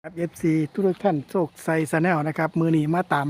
ครับ FC ทุกท่านโชคไซสแนลนะครับมือนี้มาตาม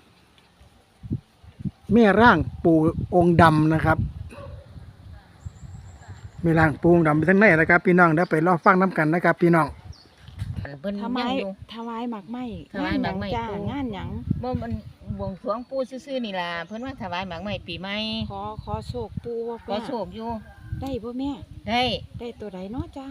แม่ร่างปู่องค์ดำนะครับแม่ร่างปู่องค์ดำไปทั้งไหนนะครับพี่น้องเดี๋ยวไปรอฟังน้ำกันนะครับพี่น้องอันเพิ่นถวายังยอยู่ถวายหมากไม้ถวายหมากไม้งนจ้าปู่งานหยังบ่มันบวงสรวงปู่ซื่อๆนี่ล่ะเพิ่นว่าถวายหมากไม้ปีใหม่ขอโชคปูบ่ขอโชคอยู่ได้บ่แม่ได้ได้ตัวใดเนาะจ้า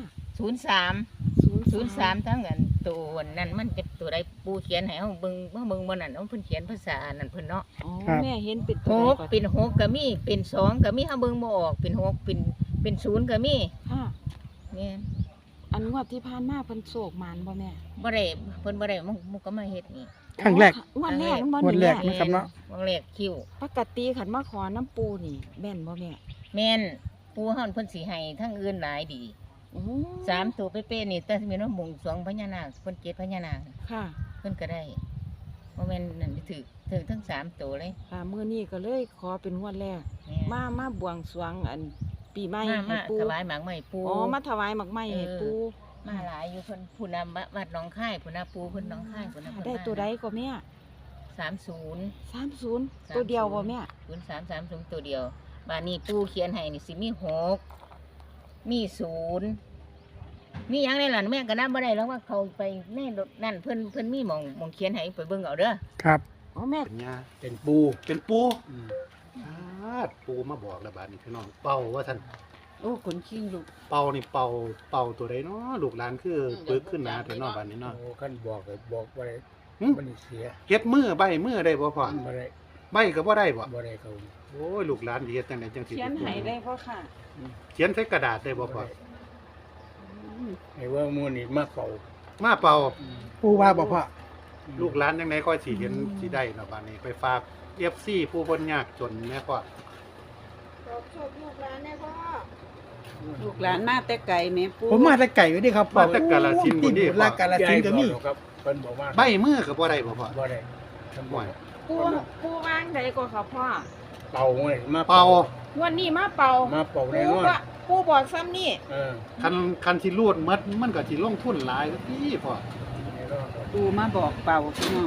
03ทั้งอันตัวนั้นมันเป็นตัวใดปู่เขียนให้เฮาเบิ่งบ่นั่นเอาเพิ่นเขียนภาษานั่นเพิ่นเนาะอ๋อครับแม่เห็นเป็นหตัวใดกเป็นหกก็มีเป็นสองก็มีเฮาเบิ่งบ่ออกเป็นหกเป็นศูนย์ก็มีค่ะแม่นอันงวดที่ผ่านมาเพิ่นโศกหมานบ่แม่บ่ได้เพิ่นบ่ได้มุกก็มาเฮ็ดนี่ครั้งแรกงวดแรกมันงวดแรกนี่นะครับเนาะวงแรกคิวปกติขันมาขอน้ำปูนี่แม่นบ่แม่แม่นปู่เฮาเพิ่นสิให้ทั้งอื่นหลายดีโอ้ 3ตัวเป๊ะๆนี่แต่มีน้ำบวงสรวงพญานาคเพิ่นเกศพญานาคค่ะเพิ่นก็ได้บ่แม่นนั่นถือทั้ง3ตัวเลยค่ะมื้อนี้ก็เลยขอเป็นงวดแรกแม่นมาบวงสรวงอันปีใหม่มาให้ปูถวายหมากไม้ปูอ๋อมาถวายหมากไม้ให้ปูมาหลายอยู่เพิ่นผู้นำวัดหนองคายผู้นาปูเพิ่นหนองคายผู้นาได้ตัวใดก็แม่ 30 30ตัวเดียวบ่แม่ 0330ตัวเดียวบาดนี้ปูเขียนให้นี่สิมี6มี0มีหยังในหลันแม่ก็นับบ่ได้แล้วว่าเขาไปในรถนั่นเพิ่นมีหมองเขียนให้ไปเบิ่งเอาเด้อครับอ๋อแม่เป็นยาเป็นปูเป็นปูอืมปูมาบอกแล้วบาดนี้พี่น้องเป่าว่าท่านโอ้ขนคิงลูกเป่านี่เป่าตัวใดเนาะลูกหลานคือปึกขึ้นหนาแต่เนอกบาดนี้เนาะโอ้ขั้นบอกก็บอกบ่ได้หึมันเสียเฮ็ดมือใบมือได้บ่พ่อบ่ได้ใบก็บ่ได้บ่บ่ได้เขาโอ้ยลูกหลานสิเฮ็ดจังไดจังสิเขียนให้ได้พ่อค่ะเขียนใส่กระดาษได้บ่พ่อไอ้ว่ามูนี่มาเป่ามาเป่าอืมปู่ว่าบอกว่าลูกหลานจังไดค่อยสิเห็นสิได้เนาะบาดนี้ไปฝาก FC ผู้เพิ่นยากจนแม่พ่อลูกหลานมาแต่ไก่แม่ปูผมมาแต่ไก่ไว้ดิครับมาแต่กาฬสินธุ์ติพุ่ดนนี่ลากาลสินธุ์ก็มียายบอกครับเพิ่นบอกว่าใบมือก็บ่ได้บ่พ่อบ่ได้ทำบ่ได้ปูวางใดก็ค่ะพ่อเป่าเลยมาเป่าวันนี้มาเป่ามาเป่าแน่นอนปูบอกซ้ำนี่เออคันสิรูดหมดมันก็สิลงทุนหลายพี่พ่อแน่นอนครับปูมาบอกเป่าพี่น้อง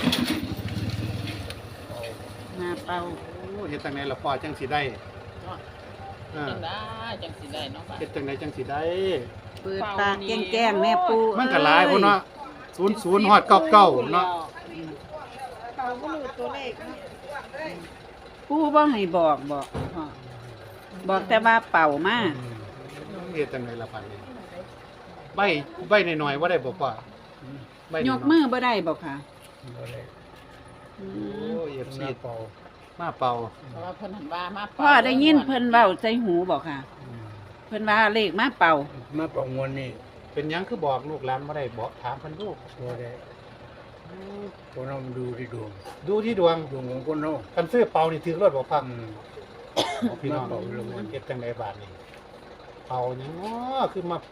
เป่ามาเป่าโอ้เฮ็ดจังไดล่ะพ่อจังสิได้อ่าจังได้จังสิได้เนาะเฮ็ดจังไดจังสิได้เปิดตาแก้งๆแม่ปูมันก็หลายพุ่นเนาะ00ฮอด99เนาะเป่าบ่รู้ตัวเลขปูบ่ให้บอกพ่อบอกแต่ว่าเป่ามาเฮ็ดจังไดล่ะปานนี้ใบน้อยๆบ่ได้บ่พ่อใบน้ยอยกๆมือบ่ได้บอกค่ะบ่ได้อืโอ้มย FC มาเป่ามาเป่าเพราะว่าเพิ่นหันว่ามาพ่อได้ยินเพิ่นเว้าใจหูบอกค่ะอืมเพิ่นว่าเลขมาเป่ามาเป่างวนนี่เป็นหยังคือบอกลูกหลานบ่ได้บอกถามเพิ่นดูบ่ได้คนเราดูที่ดวงดูที่ดวงดวงของคนเฮาคันซื้อเป่านี่ถือรถบ่พังอืมพี่น้องมาเป่าลงมาเฮ็ดจังไดบาดนี้เป่าหยังเนาะคือมา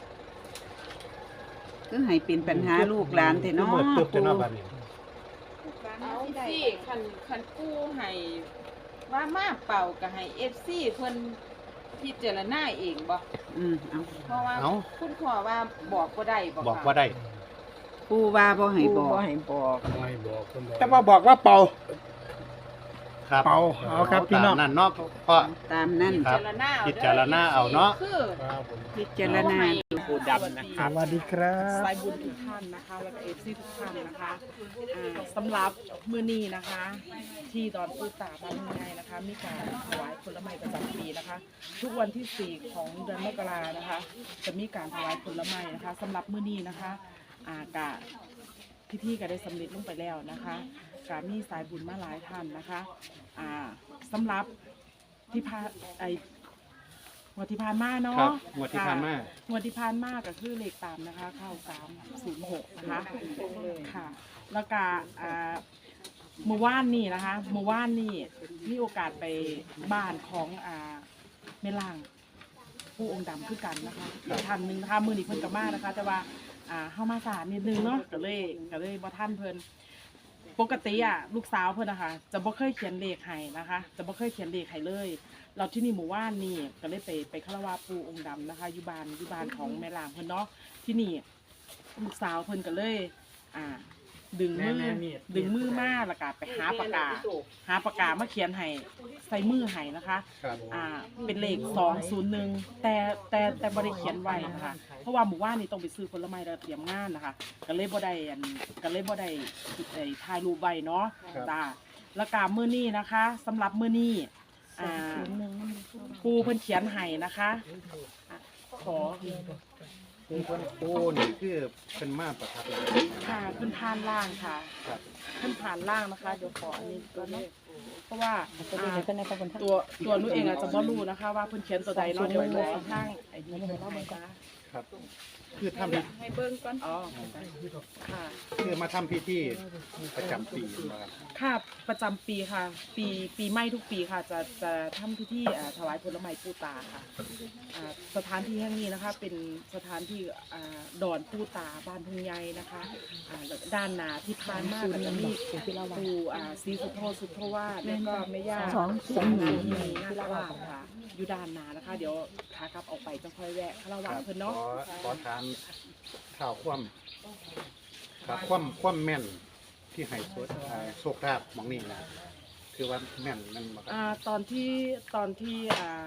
คือให้เป็นปัญหาลูกหลานแต่เนาะคือมืดตึบแต่เนาะบาดนี้เอาสิคันกู้ให้ว่ามาเป่าก็ให้ FC เพิ่นพิจารณาเองบ่เอาเพราะว่าเอ้าคุณพ่อว่าบอกบ่ได้บ่บอกค่ะว่าได้ปูว่าบ่ให้บอกบ่ให้บอกคนบอกแต่ว่าบอกว่าเป่าครับเป่าเอาครับพี่น้องตามนั่นเนาะพ่อตามนั้นครัพิบจารณาเอาพิจารณาเอาเนาะคือครับผมพิจารณาปูดำนะคะสวัสดีครับสายบุญทุกท่านนะคะแล้วก็ FC ทุกท่านนะคะสำหรับมื้อนี้นะคะ ที่ดอนปูตาบ้านง่ายนะคะ มีการถวายผลไม้ประจำปีนะคะ ทุกวันที่ 4 ของเดือนมกรานะคะ จะมีการถวายผลไม้นะคะสำหรับมื้อนี้นะคะกะพิธีก็ได้สำเร็จลงไปแล้วนะคะกะมีสายบุญมาหลายท่านนะคะสำหรับที่พางวดที่ผ่านมาเนาะครับงวดที่ผ่านมางวดที่ผ่านมาก็คือเลขตามนะคะ เข้า306นะคะค่ะ แล้วก็เมื่อวานนี่นะคะเมื่อวานนี่มีโอกาสไปบ้านของแม่ล่างผู้องค์ดำคือกันนะคะอีกท่านหนึ่งนะคะมือนี้เพิ่นกับมานะคะ แต่ว่าเข้ามาสายนิดนึงเนาะก็เลยบ่ท่านเพิ่นปกติลูกสาวเพิ่นนะคะจะบ่เคยเขียนเลขให้นะคะ จะบ่เคยเขียนเลขให้เลยเราที่นี่หมู่ว่านนี่ก็เลยไปคารวะปู่องค์ดำนะคะอยู่บ้านของแม่ล่างเพิ่นเนาะที่นี่ลูกสาวเพิ่นก็เลยดึงมือมาแล้วก็ไปหาปากกามาเขียนให้ใส่มือให้นะคะครับเป็นเลข201แต่บ่ได้เขียนไว้นะคะเพราะว่าหมู่บ้านนี่ต้องไปซื้อผลไม้แล้วเตรียมงานนะคะก็เลยบ่ได้ถ่ายรูปไว้เนาะจ้าแล้วก็มื้อนี้นะคะสำหรับมื้อนี้ปูเพิ่นเขียนให้นะคะขอคือเพิ่นโอ้นี่คือเพิ่นมาประทับเลยค่ะขึ้นผ่านล่างค่ะครับขึ้นผ่านล่างนะคะเดี๋ยวขออันนี้ตัวนี้เพราะว่าตัวหนูเองอาจจะบ่รู้นะคะ ว่าเพิ่นเขียนตัวใดเนาะเดี๋ยวขอทางไอ้นี่ให้เราเบิ่งจ้าครับ คือทำพิให้เบิ่งก่อนอ๋อค่ะคือมาทำพิธีประจำปีนะครับค่ะประจำปีค่ะ ปีใหม่ทุกปีค่ะ จะทำพิธีถวายผลไม้ปู่ตาค่ะสถานที่แห่งนี้นะคะ เป็นสถานที่ดอนปู่ตาบ้านทุ่งใหญ่นะคะด้านหน้าที่ผ่านมาก็จะมีปู่ศรีสุโธสุโธวาสแล้วก็แม่ย่ามีนาคราชค่ะอยู่ด้านหน้านะคะ เดี๋ยวขากลับออกไปจะค่อยแวะคารวะเพิ่นเนาะขอถามข่าวครับความแม่นที่ให้โชคลาภหมองนี่นะคือว่าแม่นนั่นบ่ครับตอนที่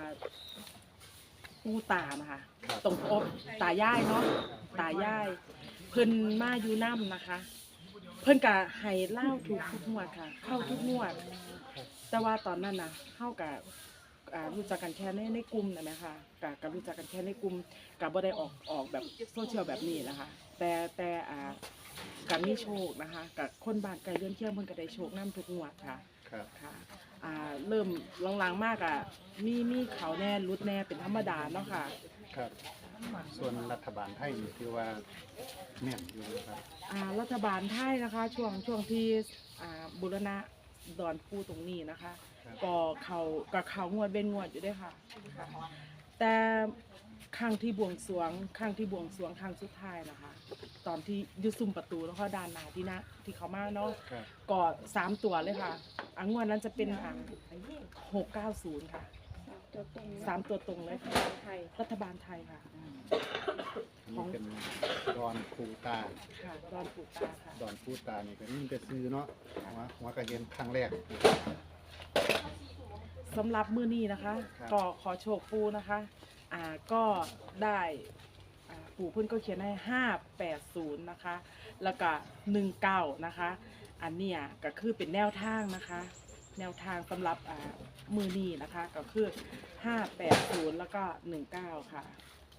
ปู่ตานะคะครับตรงอบตายายเนาะตายายเพิ่นมาอยู่น้ำนะคะ เพิ่นก็ให้เล่าทุกงวดค่ะ เข้าทุกงวด แต่ว่าตอนนั้นนะเข้ากับรู้จักกันแค่ในกลุ่มนะคะกับรู้จักกันแค่ในกลุ่มกับบ่ได้ออกแบบโซเชียลแบบนี้นะคะ แต่กับมีโชคนะคะกับคนบ้านไกลเรือนเคียงเพิ่นก็ได้โชคน้ำทุกงวดค่ะครับค่ะเริ่มหลังๆมากมีเขาแน่รุดแน่เป็นธรรมดาเนาะค่ะครับ ส่วนรัฐบาลไทยนี่คือว่าแม่นอยู่นะครับรัฐบาลไทยนะคะช่วงที่บูรณะดอนปูตรงนี้นะคะครับก็เขางวดเว้นงวดอยู่ด้วยค่ะแต่ครั้งที่บวงสรวงครั้งสุดท้ายนะคะ ตอนที่อยุซุ่มประตูแล้วก็ด้านหน้าที่เขามาเนาะครับก็3 ตัวเลยค่ะงวดนั้นจะเป็น690ค่ะ3 ตัวตรงเลยค่ะรัฐบาลไทยค่ะนี่เป็นดอนคูตาค่ะดอนปูตาค่ะดอนคูตานี่ก็นี่จะซื้อเนาะหัวกระเห็นครั้งแรกสำหรับมื้อนี้นะคะครับก็ขอโชคปูนะคะก็ได้ปู่เพิ่นก็เขียนให้580นะคะแล้วก็19นะคะอันเนี้ยก็คือเป็นแนวทางนะคะ แนวทางสำหรับมื้อนี้นะคะก็คือ580แล้วก็19ค่ะ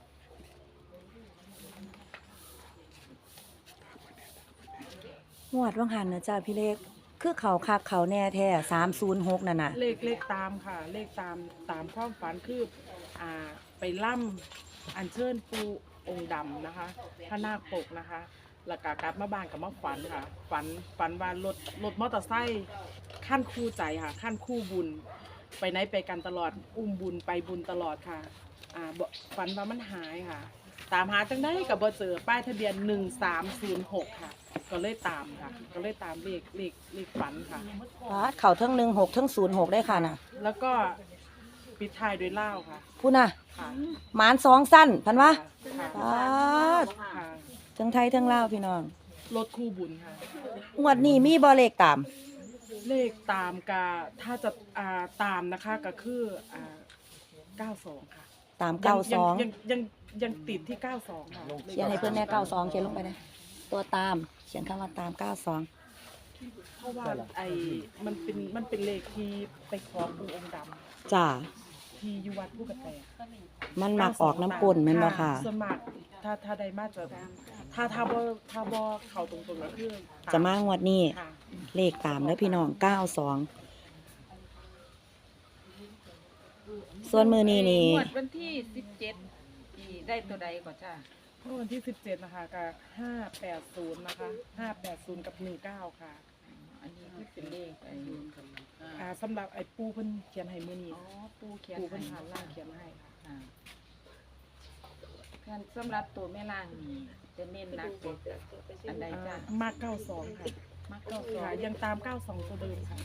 งวดว่างหันนะจ้าพี่เล็กคือเขาคักเขาแน่แท้306นั่นน่ะเลขตามค่ะ เลขตามความฝันคือไปล่ำอัญเชิญปูองค์ดำนะคะพระนาคปกนะคะแล้วก็กลับมาบ้านกับมาฝันค่ะฝันว่ารถมอเตอร์ไซค์ขั้นคู่ใจค่ะขั้นคู่บุญ ไปไหนไปกันตลอดอุ้มบุญไปบุญตลอดค่ะฝันว่ามันหายค่ะ ตามหาจังได้กับบ่เจอป้ายทะเบียน1306ค่ะก็เลยตามค่ะก็เลยตามเลขฝันค่ะเขาทั้ง16ทั้ง06ได้ค่ะน่ะแล้วก็ปิดท้ายด้วยเหล้าค่ะพูดน่ะค่ะหมาน2สั้นพันวะค่ะปาดค่ะทั้งไทยทั้งลาวพี่น้องรถคู่บุญค่ะงวดนี้มีบ่เลขตามเลขตามกาถ้าจะตามนะคะก็คือ92ค่ะตามยังติดที่92ค่ะ 92เขียนให้เพิ่นแน่92เขียนลงไปนะตัวตามเขียนคำว่าตาม92 เพราะว่ามันเป็นเลขที่ไปขอปู่องค์ดจ้าำที่อยู่วัดผู้กระแตมันมักออกน้ำกลนแม่นบ่ค่ะส่วนมากถ้าได้มาจะถ้าบ่เข้าตรงๆก็คือตจะมางวดนี้ค่ะเลขตามแล้วพี่น้อง92ส่วนมือนี้นี่งวดวันที่17ที่ได้ตัวใดก่อนจ้าเมื่อวันที่17นะคะกับ580นะคะ580กับ19ค่ะอันนี้คือเป็นเลขสำหรับไอ้ปูเพิ่นเขียนให้มื้อนี้อ๋อปูเขียนปูให้เพิ่นผ่านล่างเขียนให้ค่ะการสำหรับตัวแม่ล่างนี่จะเน้นหนักเป็นอันใดจ้ามาก92ค่ะค่ะยังตาม 92 ตัวเดิมค่ะ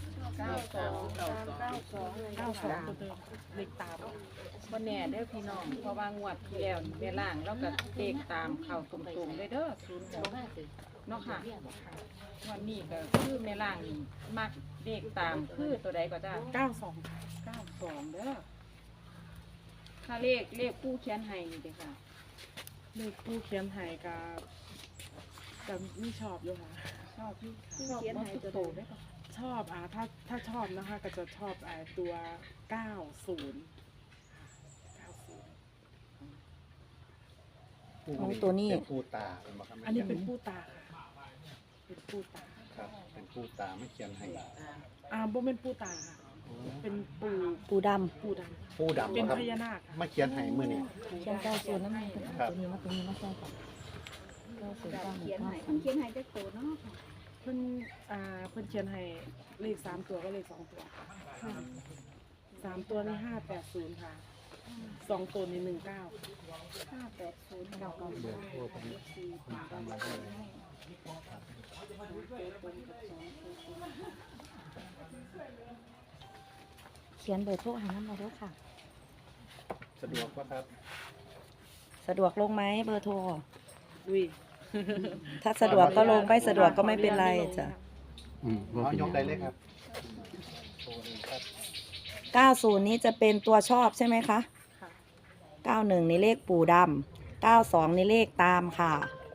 92 ตัวเดิมเลขตามบ่แน่เด้อพี่น้องเพราะว่างวดที่แล้วนี่แม่ล่างแล้วก็เลขตามเข้าตรงๆเลยเด้อ06เนาะค่ะวันนี้ก็คือแม่ล่างนี่มักเลขตามคือตัวใดก็ได้ 92 ค่ะ 92เด้อถ้าเลขผู้เขียนให้นี่เด้อค่ะเลขผู้เขียนไห้กับไม่ชอบอยู่ค่ะชอบที่ชอบเขียนมากให้ทุกตัวตัวใดได้ปะชอบถ้าชอบนะคะก็จะชอบตัว 90 ของตัวนี้เป็นผู้ตาเป็นบ่ครับอันนี้เป็นผู้ตาค่ะ เป็นผู้ตาครับเป็นผู้ตาไม่เขียนให้บ่เป็นผู้ตาค่ะ เป็นปู่ปูดปู่ดผู้ดำำเป็นบ่ครับพญานาคค่ะไม่เขียนให้มื้อนี้ำเขียน90นั่นมันเป็นครับตัวนี้มาตัวนี้มาใส่กัน90 เขียนให้เขียนให้จักตัวเนาะค่ะเพิ่นเพิ่นเขียนให้เลข3ตัวก็เลข2ตัวค่ะ3ตัวนี่580ค่ะ2ตัวนี่19 580 เขียนเบอร์โทรหาน้ำมาด้วยค่ะสะดวกบ่ครับสะดวกลงไหมเบอร์โทรอุ้ยถ้าสะดวกก็ลงไม่สะดวกก็ไม่เป็นไรจ้ะเอายกได้เลยครับโชว์เลยครับ 90นี้จะเป็นตัวชอบใช่ไหมคะค่ะ 91นี่เลขปู่ดำ92นี่เลขตามค่ะ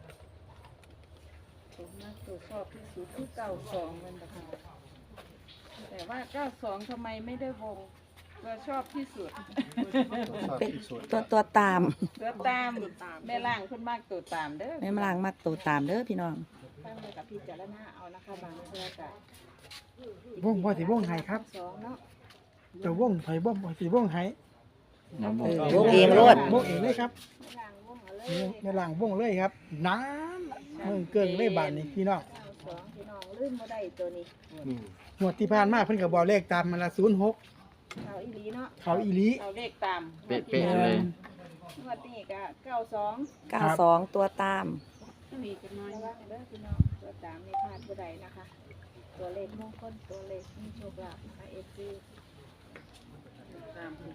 ตัวมากตัวชอบที่สุดคือ92มันนะคะแต่ว่า92ทำไมไม่ได้วงตัวชอบที่สุดชอบเป็นที่สุดตัวตามตัวตามแม่ล่างขึ้นมากตัวตามเด้อแม่มลางมักตัวตามเด้อพี่น้องตั้งเลยกับพี่จารณาเอานะคะบางเทื่อก็วงพอสิวงไห้ครับ 2เนาะจะวงไห้บ่พอสิวงไห้วงเองโลดวงเองเลยครับแม่ล่างวงเอาเลยนี่แม่ล่างวงเลยครับน้ำมึงเกิงเลยบาดนี้พี่น้อง 92พี่น้องลื่นบ่ได้ตัวนี้อืมงวดที่ผ่านมาเพิ่นก็บอกเลขตามมาละ06 เขาอีหลีเนาะเขาอีหลีเขาเลขตามเป๊ะๆเลยงวดนี้ก็92 92ตัวตามมีกันน้อยว่าเด้อพี่น้องตัวตามนี่พลาดบ่ได้นะคะ ตัวเลขมงคลตัวเลขมีโชคลาภนะคะ FC ตามคือ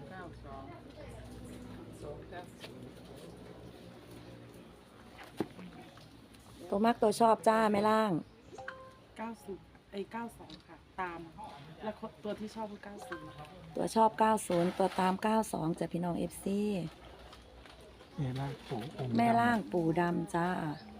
ตัวมักตัวชอบจ้าแม่ล่าง 92ค่ะ ตาม แล้วตัวที่ชอบคือ90 ตัวชอบ 90 ตัวตาม 92จ้ะพี่น้อง FC แม่ล่างปู่องค์ดำแม่ล่างปู่ดำจ้า 92